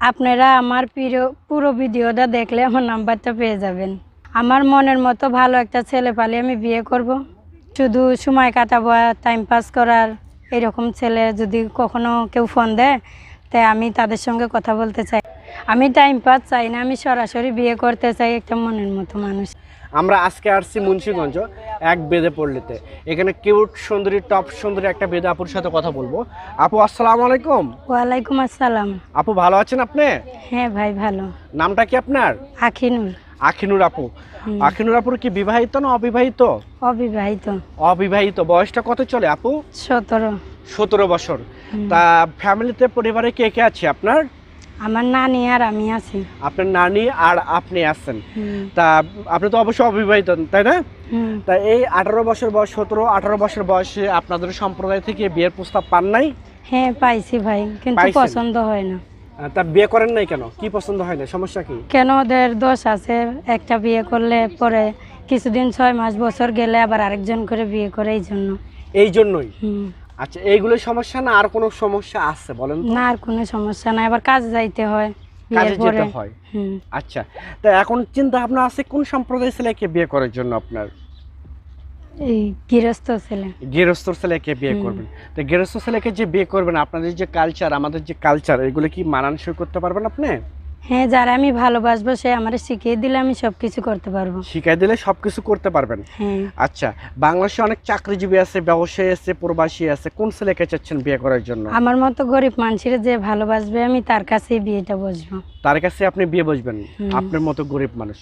আপনারা আমার পুরো ভিডিওটা দেখলে আমার নাম্বারটা পেয়ে যাবেন। আমার মনের মতো ভালো একটা ছেলে পালে আমি বিয়ে করব। শুধু সময় কাটাবো টাইম পাস করার এরকম ছেলে যদি কখনো কেউ ফোন দেয় তাই আমি তাদের সঙ্গে কথা বলতে চাই। আমি টাইম পাস চাই না, আমি সরাসরি বিয়ে করতে চাই একটা মনের মতো মানুষ। আমরা আজকে আসছি মুন্সিগঞ্জ এক বেদে পল্লীতে। এখানে কিউট সুন্দরী টপ সুন্দরী একটা বেদে আপুর সাথে কথা বলবো। আপু আসসালামু আলাইকুম। ওয়ালাইকুম আসসালাম। আপু ভালো আছেন আপনি? হ্যাঁ ভাই ভালো। নামটা কি আপনার? আখিনুর। আখিনুর আপু। আখিনুর আপুর কি বিবাহিত না অবিবাহিত? অবিবাহিত। অবিবাহিত। বয়সটা কত চলে আপু? 17। 17 বছর। তা ফ্যামিলিতে পরিবারে কে কে আছে আপনার? আমার নানি আর আমি আছি। আপনার নানি আর আপনি আছেন। তা আপনি তো অবশ্যই অবিবাহিত তাই না? তা এই 18 বছর বয়স 17-18 বছর বয়সে আপনাদের সম্প্রদায় থেকে বিয়ের প্রস্তাব পান নাই? হ্যাঁ পাইছি ভাই, কিন্তু পাইছেন? পছন্দ হয় না। তা বিয়ে করেন নাই কেন? কি পছন্দ হয় না? সমস্যা কি? কেন ওদের দোষ আছে, একটা বিয়ে করলে পরে কিছুদিন 6 মাস বছর গেলে আবার আরেকজন করে বিয়ে করে, এই জন্য। এই জন্যই? আচ্ছা, এইগুলো সমস্যা না আর কোনো সমস্যা আছে বলেন তো? না, আর কোনো সমস্যা নাই, আবার কাজে যাইতে হয় কাজে বিয়ের পরে। যেতে হয়। আচ্ছা, তা এখন চিন্তা ভাবনা আছে কোন সম্প্রদায়ের ছেলেকে বিয়ে করার জন্য আপনার? এই গৃহস্থ ছেলে। গৃহস্থ ছেলেকে বিয়ে করবেন। তো গৃহস্থ ছেলেকে যে বিয়ে করবেন, আপনাদের যে কালচার আমাদের যে কালচার এগুলো কি মানানসই করতে পারবেন আপনি? হ্যাঁ, যারা আমি ভালোবাসবো সে আমারে শিখিয়ে দিলে আমি সবকিছু করতে পারবো। শিখাই দিলে সবকিছু করতে পারবেন? হ্যাঁ। আচ্ছা, বাংলাদেশে অনেক চাকরিজীবী আছে, ব্যবসায়ী আছে, প্রবাসী আছে, কোন ছেলেকে চাচ্ছেন বিয়ে করার জন্য? আমার মতো গরিব মানুষের যে ভালোবাসবে আমি তার কাছেই বিয়েটা বসবো। তার কাছে আপনি বিয়ে বসবেন? আপনার মতো গরিব মানুষ,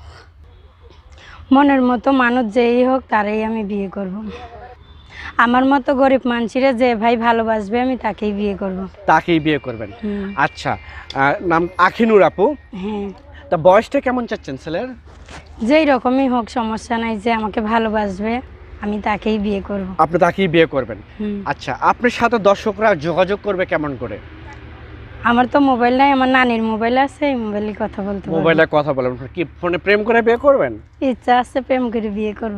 মনের মতো মানুষ যেই হোক তারই আমি বিয়ে করব। আমার মতো গরিব মানুষের যে ভাই ভালোবাসবে আমি তাকেই বিয়ে করব। তাকেই বিয়ে করবেন? আচ্ছা, নাম আখিনুর আপু। হ্যাঁ। তা বয়সটা কেমন চাচ্ছেন ছেলের? যেই রকমই হোক সমস্যা নাই, যে আমাকে ভালোবাসবে আমি তাকেই বিয়ে করব। আপনি তাকেই বিয়ে করবেন? আচ্ছা, আপনার সাথে দর্শকরা যোগাযোগ করবে কেমন করে? আমার তো মোবাইল নাই, আমার নানির মোবাইল আছে, এই মোবাইলে কথা বলতে পারবো। মোবাইলে কথা বলেন? কি ফোনে প্রেম করে বিয়ে করবেন? ইচ্ছা আছে প্রেম করে বিয়ে করব।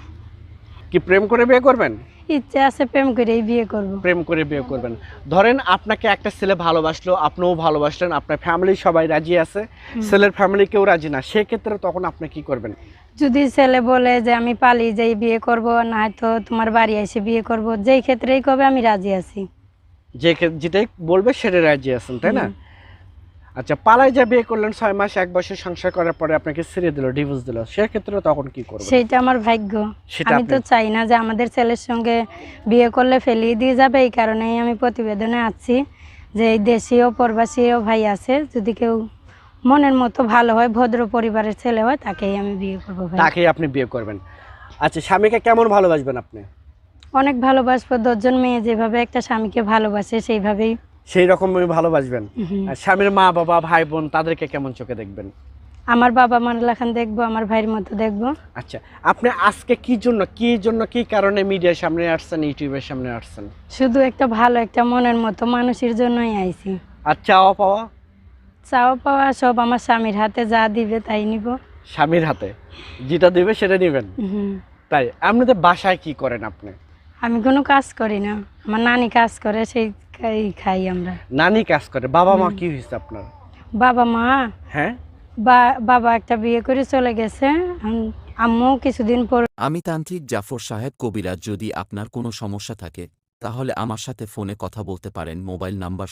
কি প্রেম করে বিয়ে করবেন? ইচ্ছা আছে প্রেম করেই বিয়ে করব। প্রেম করে বিয়ে করবেন। ধরেন আপনাকে একটা ছেলে ভালোবাসলো, আপনিও ভালোবাসলেন, আপনার ফ্যামিলি সবাই রাজি আছে, ছেলের ফ্যামিলি কেউ রাজি না, সেক্ষেত্রে তখন আপনি কি করবেন? যদি ছেলে বলে যে আমি পালিয়ে যাই বিয়ে করব, না তো তোমার বাড়ি এসে বিয়ে করব, যেই ক্ষেত্রেই কবে আমি রাজি আছি। যেটাই বলবে সেটা রাজি আছেন তাই না? আচ্ছা, পালাই যা বিয়ে করলেন, 6 মাস 1 বছর সংসার করার পরে আপনাকে ছেড়ে দিল, ডিভোর্স দিল, সেক্ষেত্রে তখন কি করবেন? সেইটা আমার ভাগ্য। আমি তো আপনি চাই না যে আমাদের ছেলের সঙ্গে বিয়ে করলে ফেলিয়ে দিয়ে যাবে, এই কারণেই আমি প্রতিবেদনে আছি যে এই দেশীয় প্রবাসীও ভাই আছে, যদি কেউ মনের মতো ভালো হয়, ভদ্র পরিবারের ছেলে হয়, তাকেই আমি বিয়ে করবো ভাই। তাকেই আপনি বিয়ে করবেন? আচ্ছা, স্বামীকে কেমন ভালোবাসবেন আপনি? অনেক ভালোবাসবো। 10 জন মেয়ে যেভাবে একটা স্বামীকে ভালোবাসে সেইভাবেই। সেই রকম ভালোবাসবেন? আর স্বামীর মা বাবা ভাই বোন তাদেরকে কেমন চোখে দেখবেন? আমার বাবা মার লেখান দেখবো, আমার ভাইয়ের মতো দেখবো। আচ্ছা, আপনি আজকে কি কারণে মিডিয়ার সামনে আসছেন, ইউটিউবের সামনে আসছেন? শুধু একটা ভালো একটা মনের মতো মানুষের জন্যই আইছি। আর চাওয়া পাওয়া? চাওয়া পাওয়া সব আমার স্বামীর হাতে, যা দিবে তাই নিব। স্বামীর হাতে যেটা দিবে সেটা নেবেন? তাই? আপনাদের বাসায় কি করেন আপনি? আমি কোনো কাজ করি না, আমার নানি কাজ করে, সেই খাই আমরা। নানি কাজ করে? বাবা মা কি হয়েছে আপনার? বাবা মা? হ্যাঁ, বাবা একটা বিয়ে করে চলে গেছে, আম্মু কিছুদিন পর। আমি তান্ত্রিক জাফর সাহেব কবিরাজ। যদি আপনার কোনো সমস্যা থাকে তাহলে আমার সাথে ফোনে কথা বলতে পারেন। মোবাইল নাম্বার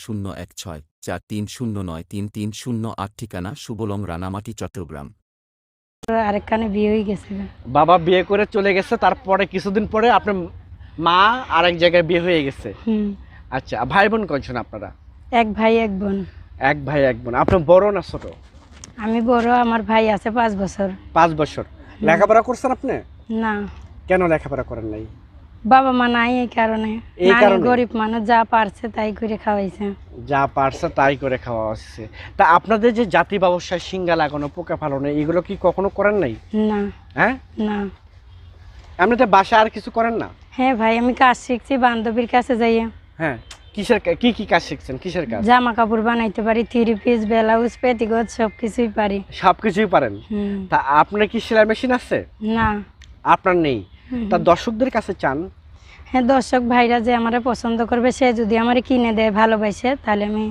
01643093308, ঠিকানা সুবলং, রানামাটি, চট্টগ্রাম। আরেকখানে বিয়ে হয়ে গেছে। বাবা বিয়ে করে চলে গেছে, তারপরে কিছুদিন পরে আপনার মা আরেক জায়গায় বিয়ে হয়ে গেছে? আচ্ছা, ভাই বোন কয়জন আপনারা? এক ভাই এক বোন। এক ভাই এক বোন। আপনি বড় না ছোট? আমি বড়, আমার ভাই আছে 5 বছর। 5 বছর। লেখাপড়া করছেন আপনি? না। কেন লেখাপড়া করেন নাই? বাবা মা নাই, এই কারণে। গরিব মানুষ, যা পারছে তাই করে খাওয়াইছে। যা পারছে তাই করে খাওয়া হচ্ছে। তা আপনাদের যে জাতি ব্যবসায় সিঙ্গা লাগানো, পোকা ফালানো, এগুলো কি কখনো করেন নাই? না। হ্যাঁ? না। আপনাদের বাসা আর কিছু করেন না? হ্যাঁ ভাই, আমি কাজ শিখছি বান্ধবীর কাছে যাইয়া। হ্যাঁ, কি কাজ শিখছেন? কিসের কাজ? জামা কাপড় বানাইতে পারি, 3 পিস, ব্লাউজ, পেটিকোট সবকিছুই পারি। সবকিছুই পারেন? তা আপনার কি সেলাই মেশিন আছে? না। আপনার নেই? তা দর্শকদের কাছে চান? হ্যাঁ, দর্শক ভাইরা যে আমারে পছন্দ করবে, সে যদি আমারে কিনে দেয় ভালোবাসে, তাহলে আমি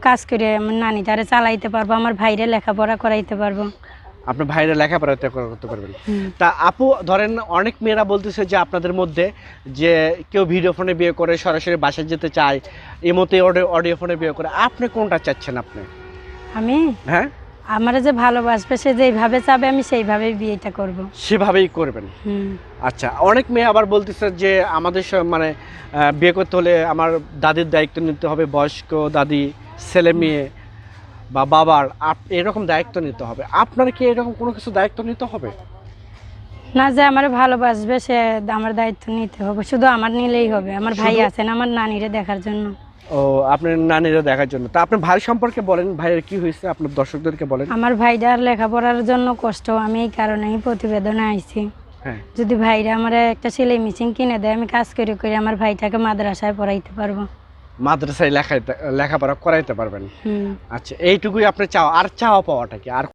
কাজ করে আমার নানি তারে চালাইতে পারবো, আমার ভাইরে লেখাপড়া করাইতে পারবো। আপনার ভাইরা লেখাপড়া করতে পারবেন। হুম। তা আপু ধরেন অনেক মেয়েরা বলতেছে যে আপনাদের মধ্যে যে কেউ ভিডিও ফোনে বিয়ে করে, সরাসরি বাসায় যেতে চায়, এমতে অডিও ফোনে বিয়ে করে, আপনি কোনটা চাচ্ছেন আপনি? আমি হ্যাঁ, আমার যে ভালোবাসবে সে যেইভাবে চাবে আমি সেইভাবেই বিয়েটা করব। সেভাবেই করবেন। হুম। আচ্ছা, অনেক মেয়ে আবার বলতেছে যে আমাদের মানে বিয়ে করতে হলে আমার দাদির দায়িত্ব নিতে হবে, বয়স্ক দাদি, ছেলে মেয়ে বা বাবার এরকম দায়িত্ব নিতে হবে। আপনার কি এরকম কোনো কিছু দায়িত্ব নিতে হবে? না, যে আমার ভালোবাসবে সে আমার দায়িত্ব নিতে হবে, শুধু আমার নিলেই হবে। আমার ভাই শুধু? আছেন আমার নানিরে দেখার জন্য। ও, আপনার নানিরা দেখার জন্য। তা আপনার ভাই সম্পর্কে বলেন, ভাইয়ের কি হয়েছে আপনার দর্শকদেরকে বলেন। আমার ভাইটার লেখাপড়ার জন্য কষ্ট, আমি এই কারণেই প্রতিবেদনে আইছি। হ্যাঁ, যদি ভাইরা আমার একটা সেলাই মেশিন কিনে দেয়, আমি কাজ করে করে আমার ভাইটাকে মাদ্রাসায় পড়াইতে পারবো। মাদ্রাসায় লেখাপড়া করাইতে পারবেন। হুম। আচ্ছা, এইটুকুই আপনি চাও, আর চাওয়া পাওয়াটা কি আর